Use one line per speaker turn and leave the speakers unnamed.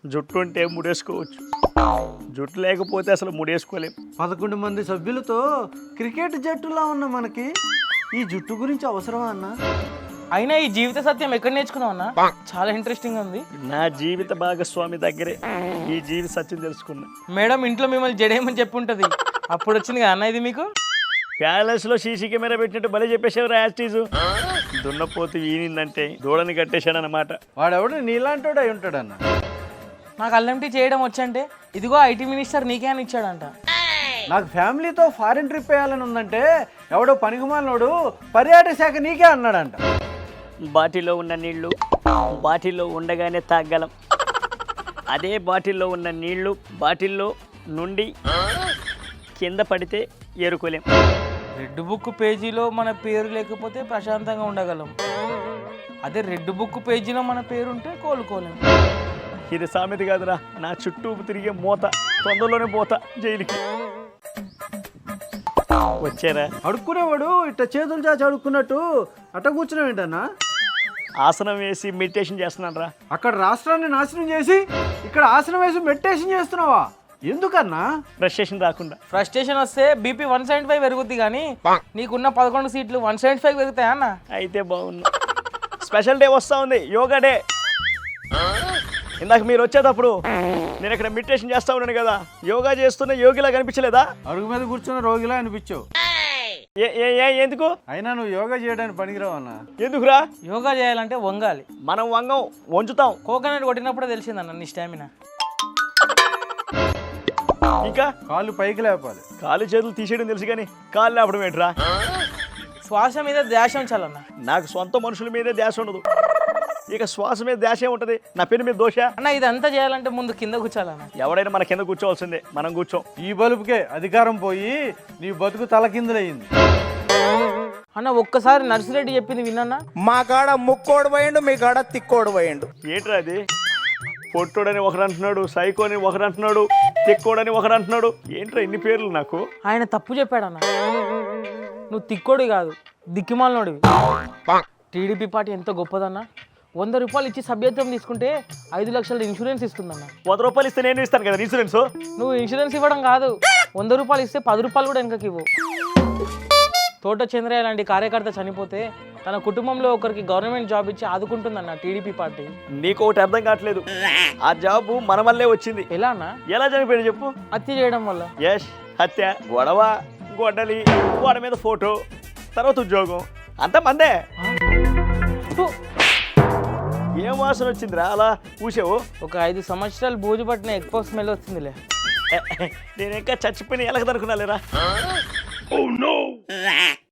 జుట్టు ఉంటే ముడేసుకోవచ్చు, జుట్టు లేకపోతే అసలు ముడేసుకోలేం.
11 మంది సభ్యులతో క్రికెట్ జట్టులా ఉన్న మనకి ఈ జుట్టు గురించి అవసరమా అన్న?
అయినా ఈ జీవిత సత్యం ఎక్కడ నేర్చుకున్నావు అన్న? చాలా ఇంట్రెస్టింగ్ ఉంది.
నా జీవిత భాగస్వామి దగ్గరే ఈ జీవిత సత్యం తెలుసుకున్నా.
మేడం ఇంట్లో మిమ్మల్ని జడేయమని చెప్పుంటది, అప్పుడు వచ్చింది కదా అన్న ఇది మీకు.
ప్యాలెస్లో సీసీ కెమెరా పెట్టినట్టు భలే చెప్పేసేవారు యాస్టీజు. దున్నపోతు ఈనిందంటే దూడని కట్టేశాడనమాట.
వాడెవడు నీలాంటోడు అయి ఉంటాడన్న.
నాకు అల్లం టీ చేయడం వచ్చంటే ఇదిగో ఐటీ మినిస్టర్ నీకే అని ఇచ్చాడంట.
నాకు ఫ్యామిలీతో ఫారిన్ ట్రిప్ వేయాలని ఉందంటే ఎవడో పనికిమాలినోడు పర్యాటక శాఖ నీకే అన్నాడంట.
బాటిల్లో ఉన్న నీళ్లు బాటిల్లో ఉండగానే తాగలం, అదే బాటిల్లో ఉన్న నీళ్లు బాటిల్లో నుండి కింద పడితే ఏరుకోలేం.
రెడ్ బుక్ పేజీలో మన పేరు లేకపోతే ప్రశాంతంగా ఉండగలం, అదే రెడ్ బుక్ పేజీలో మన పేరు ఉంటే కోలుకోలేం.
ఇది సామెత కాదురా, నా చుట్టూ తిరిగే మూత, తొందరలోనే పోతా జైలుకి. వచ్చారా?
అడుక్కునేవాడు ఇట్ట చేతులు చాచి అడుక్కున్నట్టు అట్ట కూర్చున్నావు ఏంటన్నా?
ఆసనం వేసి మెడిటేషన్ చేస్తున్నాను రా.
అక్కడ రాష్ట్రాన్ని నాశనం చేసి ఇక్కడ ఆసనం వేసి మెడిటేషన్ చేస్తున్నావా? ఎందుకన్నా?
ఫ్రస్ట్రేషన్ రాకుండా.
ఫ్రస్ట్రేషన్ వస్తే బీపీ 175 పెరుగుద్ది, కానీ నీకున్న 11 సీట్లు 175 పెరుగుతాయా అన్న?
అయితే బాగున్నా. స్పెషల్ డే వస్తూ ఉంది, యోగా డే. ఇందాక మీరు వచ్చేటప్పుడు నేను ఇక్కడ మెడిటేషన్ చేస్తా ఉన్నాను కదా, యోగా చేస్తున్న యోగిలా కనిపించలేదా?
అడుగు మీద కూర్చున్న రోగిలా అనిపించావు.
ఎందుకు?
అయినా నువ్వు యోగా చేయడానికి పనికిరావు అన్న.
ఎందుకురా?
యోగా చేయాలంటే వంగాలి,
మనం వంగం, వంచుతాం.
కోకోనట్ కొట్టినప్పుడే తెలిసిందన్న నీ స్టామినా.
ఇంకా
కాళ్ళు పైకి లేపాలి.
కాలు చేతులు తీసేయడం తెలుసు కానీ కాళ్ళు లేపడం ఏంట్రా?
శ్వాస మీద ధ్యాస ఉంచాలన్న.
నాకు సొంత మనుషుల మీదే ధ్యాస ఉండదు, ఇక శ్వాస మీద ధ్యాస ఏముంటది? నా పేరు మీద దోష.
అన్న ఇదంతా చేయాలంటే ముందు కింద కూర్చోాలన్న.
ఎవడైనా మన కింద కూర్చోవాల్సిందే, మనం కూర్చోం.
ఈ బలుపుకే అధికారం పోయి నీ బతుకు తలకిందులయ్యింది.
అన్న ఒక్కసారి నర్సిరెడ్డి చెప్పింది విన్నా?
మా కాడ ముక్కోడు పోయిండు, మీ కాడ తిక్కోడు పోయిండు.
ఏంట్రా అది? పొట్టోడని ఒకడు అంటున్నాడు, సైకోని ఒకడు అంటున్నాడు, తిక్కోడని ఒకడు అంటున్నాడు. ఏంట్రా ఇన్ని పేర్లు నాకు?
ఆయన తప్పు చెప్పాడన్న. నువ్వు తిక్కోడి కాదు, దిక్కిమాలనోడివి. టీడీపీ పార్టీ ఎంత గొప్పదన్న. 100 రూపాయలు ఇచ్చి సభ్యత్వం తీసుకుంటే 5 లక్షల ఇన్సూరెన్స్ ఇస్తుందన్న.
100 రూపాయలు ఇస్తే నేను ఇస్తాను కదా ఇన్సూరెన్స్.
నువ్వు ఇన్సూరెన్స్ ఇవ్వడం కాదు, 100 రూపాయలు ఇస్తే 10 రూపాయలు కూడా వెనకకి ఇవ్వు. తోట చంద్రయ్య లాంటి కార్యకర్త చనిపోతే తన కుటుంబంలో ఒకరికి గవర్నమెంట్ జాబ్ ఇచ్చి ఆదుకుంటుందన్న టీడీపీ పార్టీ.
నీకు ఒకటి అర్థం కావట్లేదు, ఆ జాబ్ మన వల్లే వచ్చింది.
ఎలా అన్న?
ఎలా చనిపోయాడు చెప్పు?
హత్య చేయడం వల్ల.
యష్, హత్య, గొడవ, గొడ్డలి, వాడి మీద ఫోటో, తర్వాత ఉద్యోగం, అంత మందే. ఏం వాసన వచ్చిందిరా అలా పూసావు?
ఒక 5 సంవత్సరాలు బూజు పట్టిన ఎక్కువ స్మెల్ వచ్చిందిలే.
నేను ఇంకా చచ్చిపోయిన ఎలకదనుకున్నా లేరా.